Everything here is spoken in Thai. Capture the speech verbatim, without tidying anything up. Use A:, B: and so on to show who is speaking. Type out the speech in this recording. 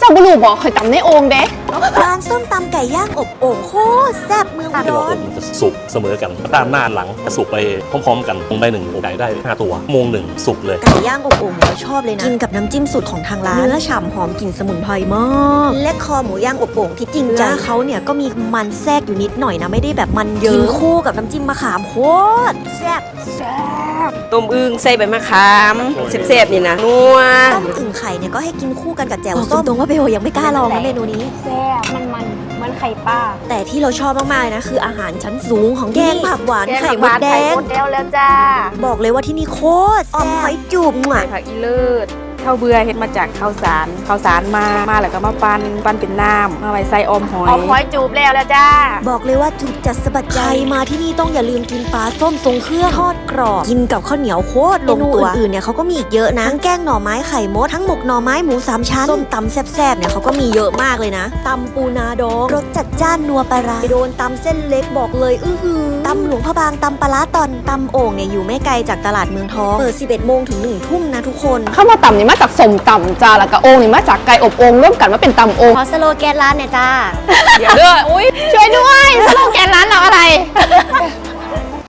A: าบุรุษบอกเคยตำในโอ่งเด้
B: ร้านส้มตำไก่ย่างอบโอ่งโคตรแซ่บเมืองอุดร
C: มันจะสุกเสมอกันด้านหน้าหลังจะสุกไปพร้อมๆกันลงไปหนึ่งไก่ได้ห้าตัวโมงหนึ่งสุกเลย
B: ไก่ย่างอบโอ่งเราชอบเลยนะกินกับน้ำจิ้มสูตรของทางร้านเนื้อฉ่ำหอมกลิ่นสมุนไพรมากและคอหมูย่างอบโอ่งที่จริงใจเขาเนี่ยก็มีมันแทรกอยู่นิดหน่อยนะไม่ได้แบบมันเยอะกินคู่กับน้ำจิ้มมะขามโคตรแซ่บ
D: ต้มอึ่งใส่ใบมะขามแซ่บๆนี่นะนัว
B: ต้มอึ่งไข่เนี่ยก็ให้กินคู่กันกับแจ่วส้มตรงว่าเบลยังไม่กล้าลองนะเมนูนี้
A: แซ่บมันมันเหมือนไข่ป้า
B: แต่ที่เราชอบมากๆนะคืออาหารชั้นสูงของแกงผักหวานไข่มดแดง
A: แล้วจ้า
B: บอกเลยว่าที่นี่โคตรอมหอยจูบ
E: ไข่ผักอีเลิศข้าวเบื่อเฮ็ดมาจากข้าวสารข้าวสารมามาแล้วก็มาปั้นปั้นเป็นน้ำมาไว้ใส่อมหอย
A: อมหอยจูบแล้วแล้วจ้า
B: บอกเลยว่าจูบจัดสะบัดใจมาที่นี่ต้องอย่าลืมกินปลาส้มทรงเครื่องทอดกรอบกินกับข้าวเหนียวโคตรลงตัวอื่นๆเนี่ยเขาก็มีอีกเยอะนะทั้งแกงหน่อไม้ไข่มดทั้งหมกหน่อไม้หมูสามชั้นส้มตำแซ่บๆเนี่ยเขาก็มีเยอะมากเลยนะตำปูนาดองรสจัดจ้านนัวปลาร้าโดนตำเส้นเล็กบอกเลยอื้อหือตำหลวงพระบางตำปลาร้าตอนตำโอ่งเนี่ยอยู่ไม่ไกลจากตลาดเมืองทองเปิดสิบเอ็ดโมงถึงหนึ่งทุ่มนะทุกคน
A: ข้าวมาตำนี่มาจากสมตำจ้าแล้วก็โอ่งนี่มาจากไก่อบโอ่งร่วมกันมาเป็นตำโอ่ง
B: ขอสโลแกนร้านเนี่ยจ้า
A: เดี๋ยวเด้ออุ้ยช่วยด้วยสโลแกนร้านเราอะไร